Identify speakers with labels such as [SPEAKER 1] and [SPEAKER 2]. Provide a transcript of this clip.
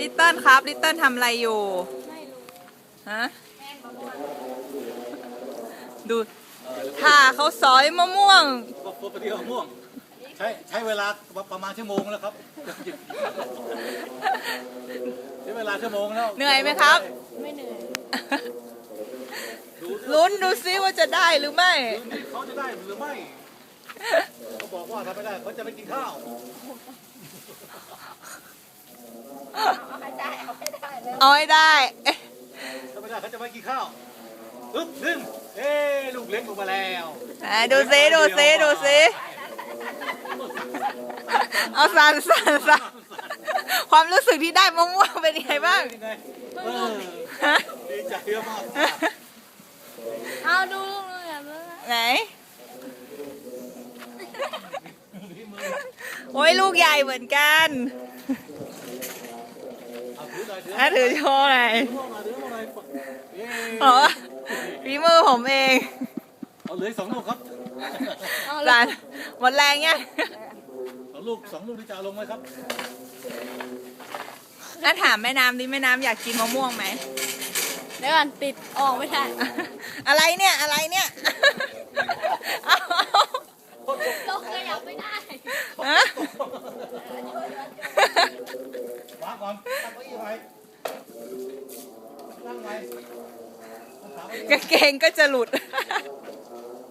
[SPEAKER 1] ลิตเติ้ลครับลิตเติ้ลทำอะไรอยู่ฮะดูถ้าเขาสอยมะม่วง
[SPEAKER 2] ปกติมะม่วงใช้เวลาประมาณชั่วโมงแล้วครับใช้เวลาชั่วโมงแล้ว
[SPEAKER 1] เหนื่อยไหมครับ
[SPEAKER 3] ไม่เหนื่อย
[SPEAKER 1] ลุ้นดูซิว่าจะได้หรือไม่
[SPEAKER 2] เขาจะได้หรือไม่เขาบอกว่าถ้าไม่ได้เขาจะไปกินข้าว
[SPEAKER 1] เอาให้ได้ถ้าไม่ได้
[SPEAKER 2] เขาจะไปกินข้าวอึ๊บดึงลูกเล็กลงมาแล้ว
[SPEAKER 1] ดูซิเอาสั่นความรู้สึกที่ได้มะม่วงเป็นยังไงบ้าง
[SPEAKER 2] ดีใจเยอะมาก
[SPEAKER 3] เอาดูลูกเลย
[SPEAKER 1] ไหนโอ้ยลูกใหญ่เหมือนกันถือโชว์หน่อยอ๋อฝีมือผมเอง
[SPEAKER 2] เอาเหลือ2 ลูกครับ
[SPEAKER 1] จานหมดแรงเนี่ย
[SPEAKER 2] 2 ลูกที่จะลงไหมครับ
[SPEAKER 1] ถ้าถามแม่น้ำดิแม่น้ำอยากกินมะม่วงไหม
[SPEAKER 3] เดี๋ยวก่อนติดออกไม่ได้
[SPEAKER 1] อะไรเนี่ย
[SPEAKER 3] ตกเลยอยากไม่ได้
[SPEAKER 2] วางก่อนตั้งเก้าอี้ไว้ตั้งไว้
[SPEAKER 1] กางเกงก็จะหลุด